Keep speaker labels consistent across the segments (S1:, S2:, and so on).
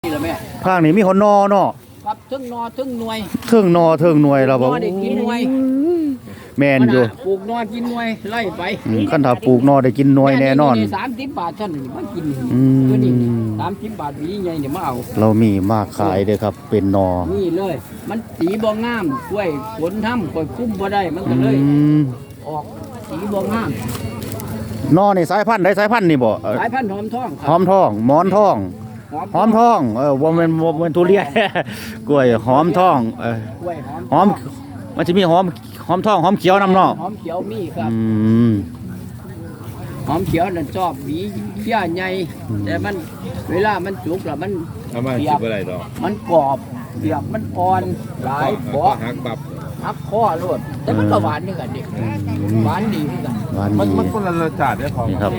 S1: นี่ละแม่
S2: ภาคนี้มีหนนอเนาะ
S1: ครับทึ่งนอทึ่งหน่วย
S2: ทึ่งนอทึ่งหน่วยเราบอก
S1: ได้กินหน่วย
S2: แม่นอยู่
S1: ปลูกนอกินหน่วยไล่ไป
S2: คันถ้าปลูกนอได้กินหน่วยแน่นอน
S1: 30 บาทท่านมากินตัวนี้30 บาทวีใหญ่เนี่ยมาเอา
S2: เรามีมากขายเด้อครับเป็นนอ
S1: นี่เลยมันสีบ่งามกล้วยผลทำกล้วยคุ้มบ่ได้มันก็เลยออกสีบ่งาม
S2: นอนี่สายพันธุ์ได้สายพันธุ์นี่บ่
S1: สายพันธุ์หอมทอง
S2: หอมทองหมอนทองหอมทองบ่แม่นทุเรียนกล้วยหอมทอง
S1: กล้วย
S2: หอมมันจะมีหอมทองหอมเขียวนำเนาะ
S1: หอมเขียวมีครับหอมเขียวนั่นชอบหวีเขี้ยใหญ่แต่มันเวลามันสุกแล้วมัน
S3: เปียกอะไรดอก
S1: มันกรอบเปียกมันอ่อนหลายบ่
S3: หักปับ
S1: หักคอโลดแต่มันก็หวานนี่กันดิหวานดีนี่กัน
S3: มันคนละรสชาติได้พอ
S2: ครับ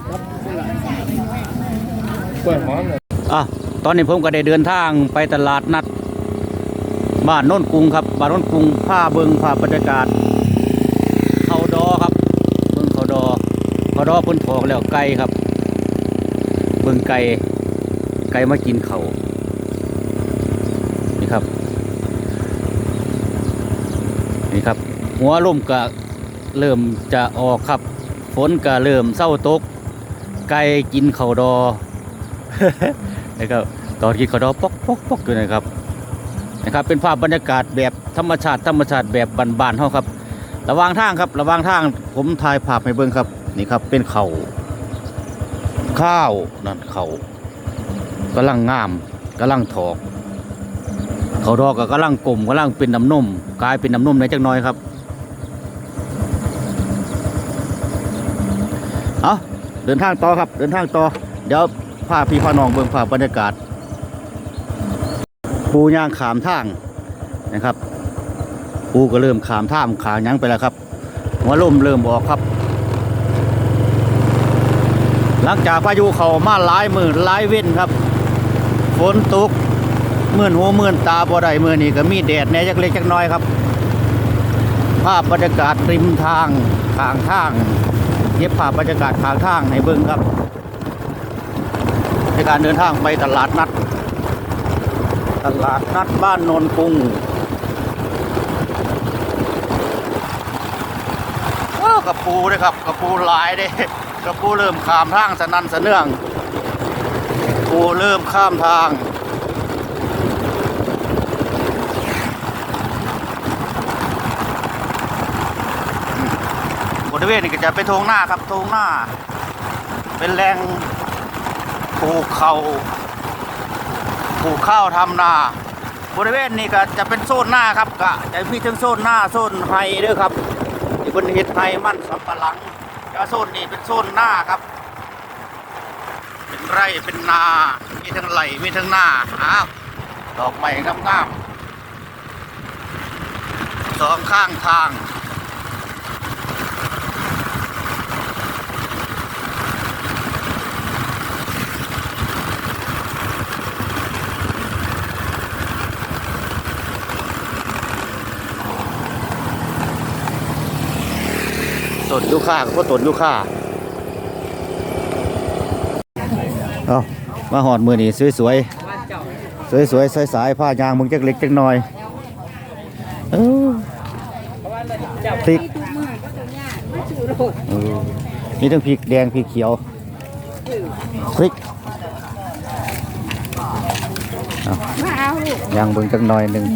S3: กล้วยหอมเลย
S2: ตอนนี้ผมก็ได้เดินทางไปตลาดนัดบ้านโน่นกรุงครับบ้านโน่นกรุงผ้าเบิงผ้าบรรยากาศเขาดอครับเบิงเขาดอพ้นถอกแล้วไก่ครับเบิงไก่มากินเขานี่ครับหัวลมก็เริ่มจะออกครับฝนก็เริ่มเศร้าตกไก่กินเขาดอ นะครับตอนกินเขาดอปอกอยู่นะครับเป็นภาพบรรยากาศแบบธรรมชาติแบบบ้านๆเฮาครับระหว่างทางผมถ่ายภาพให้เบิ่งครับนี่ครับเป็นข้าวนั่นเขากำลังงามกำลังถอกเขาดอกก็กำลังกลมกำลังเป็นน้ำนมกลายเป็นน้ำนมในจักหน่อยครับเดินทางต่อครับเดี๋ยวพาพี่พาน้องเบิ่งภาพบรรยากาศปูย่างขามทางนะครับปูก็เริ่มขามท่ามขายังไปแล้วครับหัวลมเริ่มออกครับหลังจากพายุเข้ามาหลายมื้อหลายเว้นครับฝนตกมื่นหูมื่นตาบ่ได้มื้อนี้ก็มีแดดแหน่จักเล็กจักน้อยครับภาพบรรยากาศริมทางข้างทางเก็บภาพบรรยากาศข้างทางให้เบิ่งครับในการเดินทางไปตลาดนัดบ้านโนนกรุงกระปูด้วยครับกระปูหลายเด้กระปูเริ่มข้ามทางสนั่นสะเนื่องปูเริ่มข้ามทางบริเวณนี้ก็จะเป็นทงหน้าครับทงหน้าเป็นแหล่งปลูกข้าวทำนาบริเวณนี้ก็จะเป็นโซนหน้าครับก็จะมีทั้งโซนหน้าโซนไฮด้วยครับที่เป็นเห็ดไฮมันสำปะหลังแล้วโซนนี้เป็นโซนหน้าครับเป็นไร่เป็นนามีทั้งไร่มีทั้งนาดอกไม้งามๆสองข้างทางต้นยูคาก็ต้นยูคามาหอดมือนี่สวยสายผ้ายางมึงจักเล็กจักน้อยพริกมีทั้งพริกแดงพริกเขียวพริกยางมึงจักน้อยหนึ่ง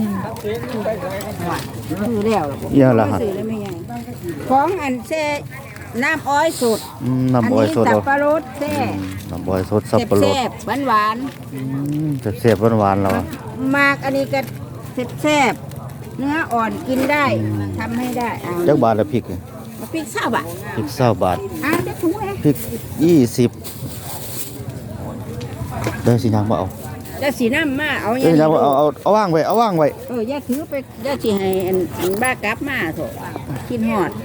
S4: ซื้อแล้ว
S2: เยอะละฮะ
S4: ของอันเซ่น้ำอ้อยสด
S2: น้ำอ้อยสด
S4: สับปะรดเซ่
S2: น้ำอ้อยสดสับปะรด
S4: หวาน
S2: เสียบหวานเรา
S4: มากอันนี้ก็แซ่บเนื้ออ่อนกินได้ทำให้ได้
S2: จักบาทละพริก
S4: 20 บาท
S2: พริก20 บาท
S4: ได้ถุงเลย
S2: พริก20ได้สินางมาเอา
S4: จะสีน้ำมาเอา
S2: อย่าเอาว่างไว้
S4: อย่าถือไปอย่าสิให้อันบ้ากลับมาโถกินหอด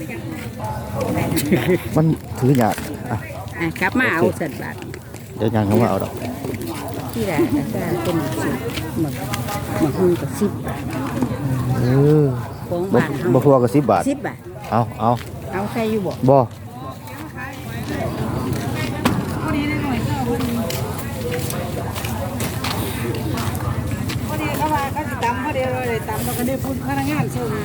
S2: มันถือหยาด
S4: กลับมาเอาสัตว์บาท
S2: เดี๋ยวยางเขามาเอาดอก
S4: ที่ไหนจะเป็น10มันกับ10 บาทของบ้าน
S2: บ่พอกับ10 บาทเอา
S4: ใครอยู่บ่
S2: พ
S4: ก็ได้พูดพนักงานส่ง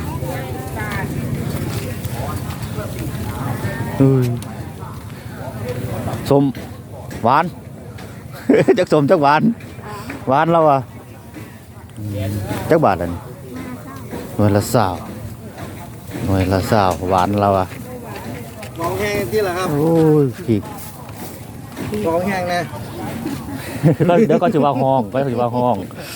S2: สมหวาน จักสมจักหวานหวานแล้วอ่ะจักบาทอันนี้หน่วยละ20หน่วยละ20หวานแล้วอ่ะ
S5: กองแห้งที่ละครับ
S2: โอ้ยผิด
S5: กองแห้งนะ
S2: แล้วเดี๋ยวก็จะว่าห้องก็จะว่าห้อง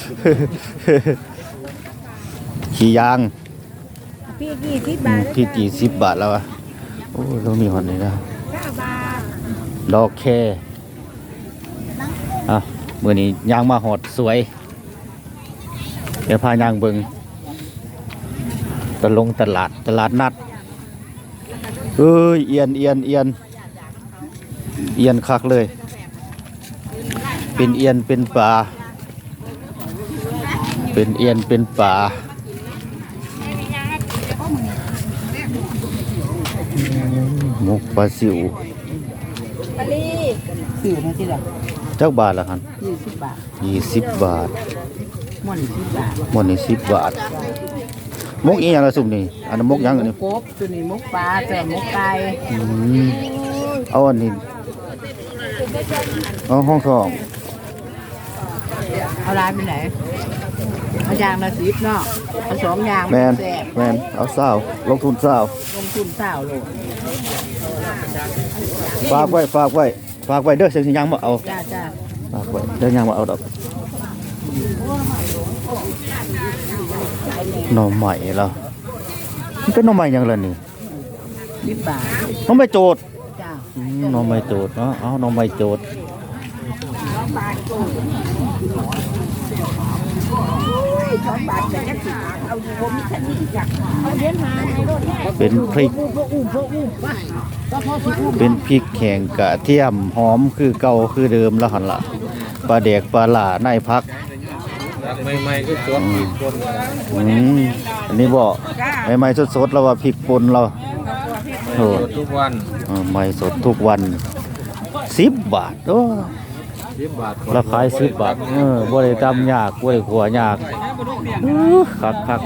S2: ขี่ยาง
S4: พี่20 บาท
S2: ที่40 บาทแล้วอ่ะโอ้ยเรามีหอนนี่นะ
S4: 9 บาท
S2: ดอกแค่อ่ะมื้อนี้ยางมาหอดสวย เดี๋ยวพายางเบิงตลาดนัดเอ้ยเอียนคักเลย เป็นเอียนเป็นป่าเป็นเอียนเป็นป่าหมกปลาซิว
S4: ปลีซื้อมาที่ละ
S2: จักบาทละคัน
S4: 20 บาท
S2: 20 บาท
S4: ม่อน10 บาท
S2: หมดนี่10 บาทมกอีหยังละสุ่มนี่อันนั้นมกหยังอันนี้
S4: กบตัวนี้มุกปลาแต่มุกไก่
S2: อืมเอาอันนี้เอาห้องทอง
S4: เอาร้านไปไหนเอายางละ10เนาะเอา2อย่าง
S2: แมน
S4: แซ่บ
S2: แมนเอาเศร้าลงทุนเศร้า
S4: ลงทุน20โล
S2: ฝากไว้เด้อเสียงสิยังบ่เอา
S4: จ้า
S2: ฝากไว้เด้อยังบ่เอาดอกหน่อใหม่แล้วมันเป็นหน่อใหม่หยังล่ะนี่
S4: 10 บาท
S2: หน่อใหม่โจด
S4: จ้า
S2: หน่อใหม่โจดเนาะเอาหน่อใหม่โจดเป็นพริก เป็นพริกแข็งกระเทียมหอมคือเก่าคือเดิมแล้วหั่นล่ะปลาแดกปลาหล่าในพัก
S3: ใหม่ๆก็สวนอีกคน
S2: อันนี้บ่ใหม่ๆสดๆแล้วว่าพริกป่นเราโอ้
S3: ทุกวัน
S2: ใหม่สดทุกวัน10 บาทโอ้
S3: 10 บาท
S2: ราคา10 บาทบ่ได้ตำยากบ่ได้ขัวยากคัก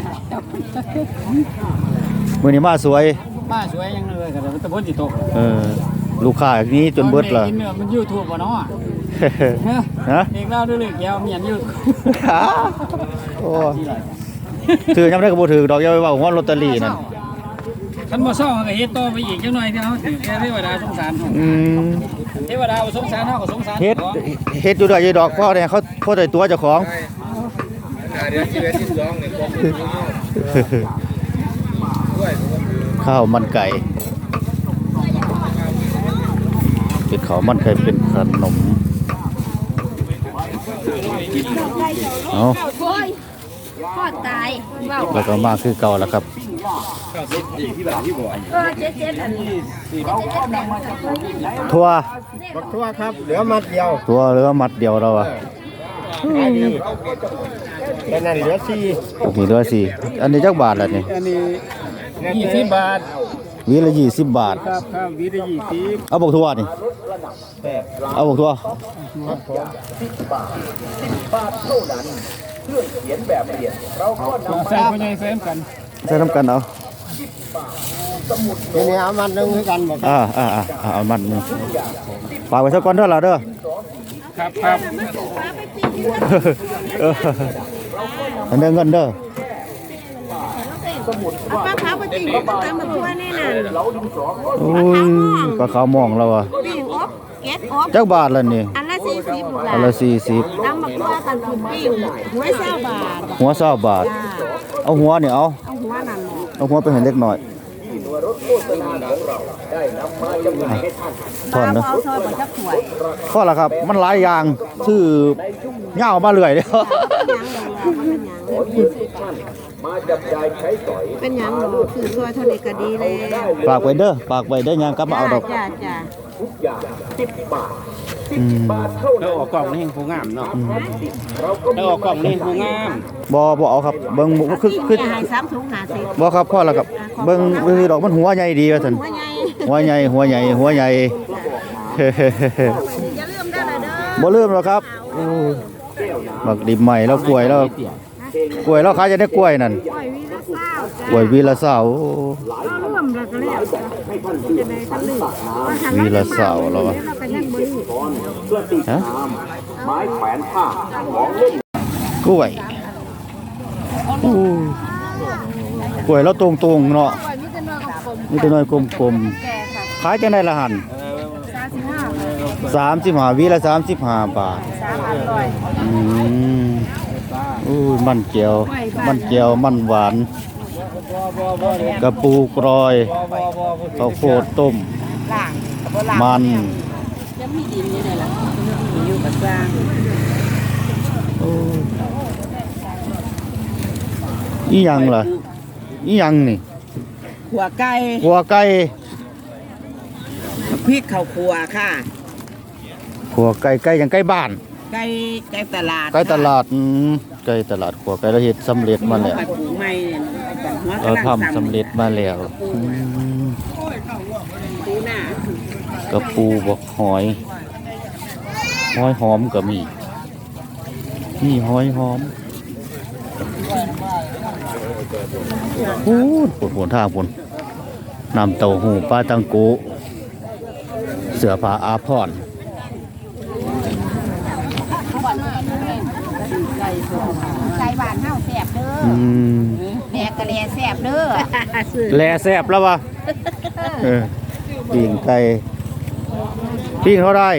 S2: มื้อนี้มาสวย
S1: มาสวยยังเลยก็แต่พ้นสิตก
S2: ลูกค้าอย่างนี้จนเบิดล่ะ
S1: กินเนื้อมัน YouTube บ่เนาะ
S2: ฮะ
S1: เอกเล่าด้วยเลยแก้วเมียนอยู่
S2: โอ้ถือยามได้ก็บ่ถือดอกอย่าไปเว้าฮ้อนลอตเตอรี่นั่น
S1: คันบ่ซ่อก็เฮ็ดต่อไปอีกจังหน่อยที่เฮาถือแค่เทวดาสงสารเฮาเทวดาบ่สงสารเฮาก็สงสาร
S2: เฮ็ดอยู่ด้วยอยู่ดอกพ่อเนี่ยเขาได้ตัวเจ้าของ
S3: เดี๋ยวชีวิตที่2เนี่ยผมด้วย
S2: ข้าวมันไก่เป็นข้าวมันไก่เป็นขนมเอา
S4: พ่อตายเว้า
S2: แล้วก็มาคือเก่าแล้วครับ
S4: 77อันนี้
S2: ทั่ว
S5: บักทั่วครับเหลือมัดเดียว
S2: ตัวเหลือมัดเดียวเราอ่ะ
S5: เป็นนั่นเหลือ4
S2: โอเคเหลือสิอันนี้จักบาทแล้วนี่
S5: อันนี้
S1: 20 บาท
S2: วีละ20 บาท
S1: ครับวิธี20
S2: เอาบอกทั่วนี่เอาบอกทั่ว
S1: ใส่คนใหญ่ใส่กัน
S2: ใส่น้ำกันเอา
S5: ทีนี้เอามัดหนึงคือกันบ่ครับ
S2: เอามันหนึงฝากไว้สักก่อนเด้อล่ะเด้อ
S1: ครับ
S2: อันเด้อเงินเด้อ
S4: ป้าขาวปฏิก็ตามมาทั่วแน่น่ะ
S2: โอ้ยปลาขาวมองแล้วอ่ะ
S4: ปิ้งอบเก็ดอบ
S2: จักบาทละนี่
S4: อันละ40ลูกหลา
S2: อั
S4: น
S2: นละ40
S4: ตามมาทั่วกันคือปิ้งหัว20 บาท
S2: หัว20บาท
S4: จ้า
S2: เอาหัวนี่เอา
S4: เอาหัวนั่น
S2: เอาหัวไปให้เล็กหน่อยถอนเด้อ
S4: เอาซอยบ่จักถ้วย
S2: พอละครับ มันหลายอย่างชื่อเหย้ามาเรื่อยเด้อ
S4: เป็นหยังดอกคือซอยเท่านี้ก็ดีแล้ว
S2: ฝากไว้เด้อฝากไว้ได้ยังกลับมาเอาดอก
S4: จ้า
S5: แล้วออกกล่องนี่ผู้งามเนาะแล้วออกกล่องนี่ผู้งาม
S2: บ่เอาครับเบิ่งคือ
S4: ให้3ถุง50
S2: บ่ครับพ่อละครับเบิ่งวิธีดอกมันหัวใหญ่ดีว่าซั่น
S4: หัวใหญ่
S2: หัวใหญ่
S4: อย่าลืมได้อล่ะเด้อ
S2: บ่ลืมหรอกครับโอ้บักดิบใหม่แล้วกล้วยแล้ว
S4: อ่า
S2: กล้วยเราขายจะได้กล้วยนั่นกล้วยวีละเสา
S4: ร่วมแล้วก็แล้วจะได้กันเลย
S2: วีละเสาแล้ววะ
S4: เราไปนั่งบน
S2: ฮะกล้วยอู้กล้วยเราตรงๆเนาะนี่ตัวน้อยกลมๆขายจังได๋ละหั่น35วีละ35 บาทอู้มันเจียวมันหวานกระปูกรอยข้าวโพดต้มมัน
S4: ยังมีดินอยู่เลยล่ะอยู่กับกลาง
S2: อีหยังล่ะอีหยังนี่
S6: ขัวไก่
S2: หัวไก่
S6: พริกข้าวขัวค่ะ
S2: หัวไก่ไก่อย่างไก่บ้าน
S6: ไก่ตลาด
S2: ไก่ตลาดไก่ตลาดหัวไก่เราเฮ็ดสำเร็จมาแล้ว
S6: ผัดปูใหม่เนี่ยหัว
S2: เรา
S6: กำลัง
S2: ทำสำเร็จมาแล้ว
S6: ปูหน้าก
S2: ระปูบอกหอยหอมก็มีนี่หอยหอมพูนทางพูนน้ำเต้าหู้ปลาตังโกเสือผ้าอาภรณ์
S4: ไก่บ้านเฮาแซ่บเด้อแดกกะแลแซ่บเด้อ
S2: แลแซ่บแล้ววะปิ้งไก่ปิ้งเท่าไร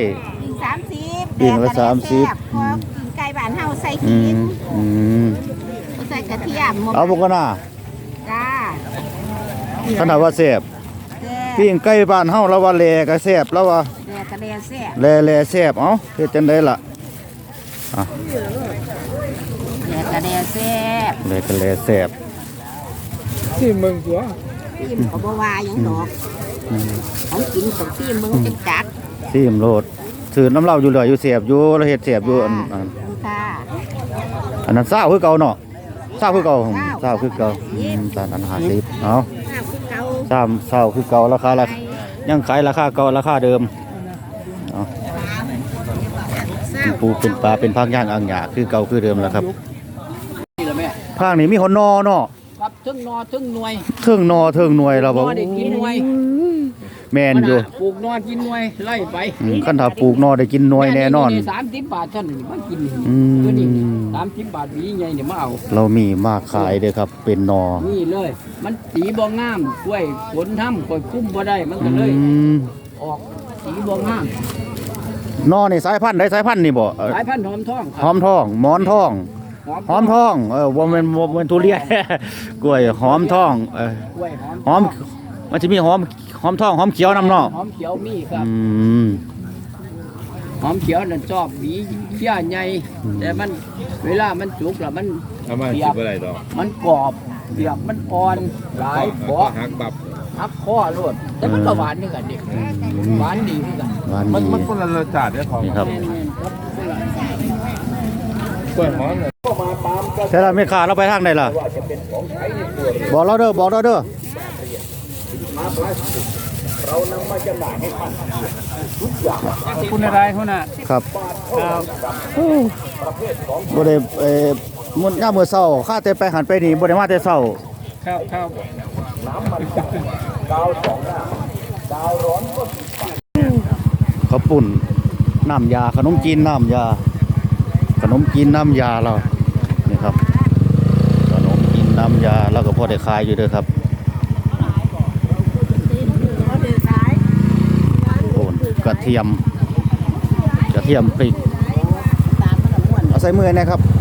S4: 30
S2: ปิ้งละ30
S4: พอกินไก่บ้านเฮาใส่ขิงใส่กระเทียม
S2: เอาบุกกันนะ
S4: จ้า
S2: ขนาดว่าแซ่บ
S4: แซ่บ
S2: ปิ้งไก่บ้านเฮาแล้วว่าแลก็แซ่บแล้วว่า
S4: แดกกะแลแซ่บ
S2: แลแซ่บเอ้าเฮ็ดจังได๋ล่ะอ่ะ
S4: แดกกะแลแซ่บ
S2: แลก็แลแซ่บ
S6: ที่เมืองตัว
S4: จิ้มก็บ่ว่าหยังดอกของกินของจิ้มมึงจังจัด
S2: ซีมโลดถือน้ำเหล้าอยู่เหลืออยู่แซ่บอยู่แล้วเฮ็ดแซ่บอยู่อัน
S4: ค่ะ
S2: นั้นซ่าคือเก่าเนาะซ่าคือเก่าซ่าคือเก่าตอนนั้น50เอ้า
S4: ข้าวคือเก่า
S2: ซ่าคือเก่าราคาละยังขายราคาเก่าราคาเดิมเอ้าเป็นปูเป็นปลาเป็นผักย่างอ่างหยาคือเก่าคือเดิมแล้วครับ
S1: นี่ละแม่
S2: ภาคนี้มีหนนอเนาะ
S1: ครับถึงนอถึงหน่วย
S2: เทิงนอเทิงหน่วยเรา
S1: น
S2: บ่
S1: อได้กินหน่วย
S2: แม่นอยู่
S1: ปลูกนอกินหน่วยไล่ไป
S2: คันถ้าปลูกนอได้กินหน่วยแน่นอน
S1: 30 บาทท่านมากิน
S2: อืม
S1: ตัวนี้30 บาทหวีใหญ่เนี่ยมาเอา
S2: เรามีมากขายเด้อครับ เป็นนอ
S1: นี่เลย มันสีบ่งามกล้วยผลทำกล้วยคุ้มบ่ได้มันก็เลย ออกสีบ่งาม
S2: นอนี่สายพันธุ์ใดสายพันธุ์นี่บ่
S1: สายพันธุ์หอมทอง
S2: หอมทองหมอนทองหอมทองบ่แม่นทุเรียน กล้วยหอมทอง
S1: กล้วยหอม
S2: หอมมันจะมีหอมทองหอมเขียวนํเนาะ
S1: หอมเขียวมีครับ
S2: ม
S1: หอมเขียวนั่นชอบหวีเขี้ยใหญ่แต่มันเวลามันสุกแล้วมัน
S3: ทำไมคิดอะไรดอก
S1: มันกรอบเปียกมันอ่อนหลายขอ
S3: หักบับ
S1: หักข้อรวดแต่มันก็หวานนี่กันดิหวานดีนี่กัน
S2: หวาน
S3: มัน
S2: ดี
S3: มันคนละรสชาติเนี่ยของ
S2: นี่ครับ
S3: กล้วยหอมเนี่ย
S2: แต่ละแม่ค้าเราไปทางใดล่ะบอกเราเด้อ
S1: คุณอะไรคุณน่ะ
S2: ครับบ่ได้มื้อยามมื้อเช้าข้าแต่ไปหันไปนี่บ่ได้มาแต่เช้า
S1: ครับครับ
S2: ข้าวปุ่นน้ำยาขนมจีนน้ำยาขนมจีนน้ำยาเรานี่ครับขนมจีนน้ำยาเราก็พอได้ขายอยู่เด้อครับโอนกระเทียมพริกเอาใส่มือนะครับ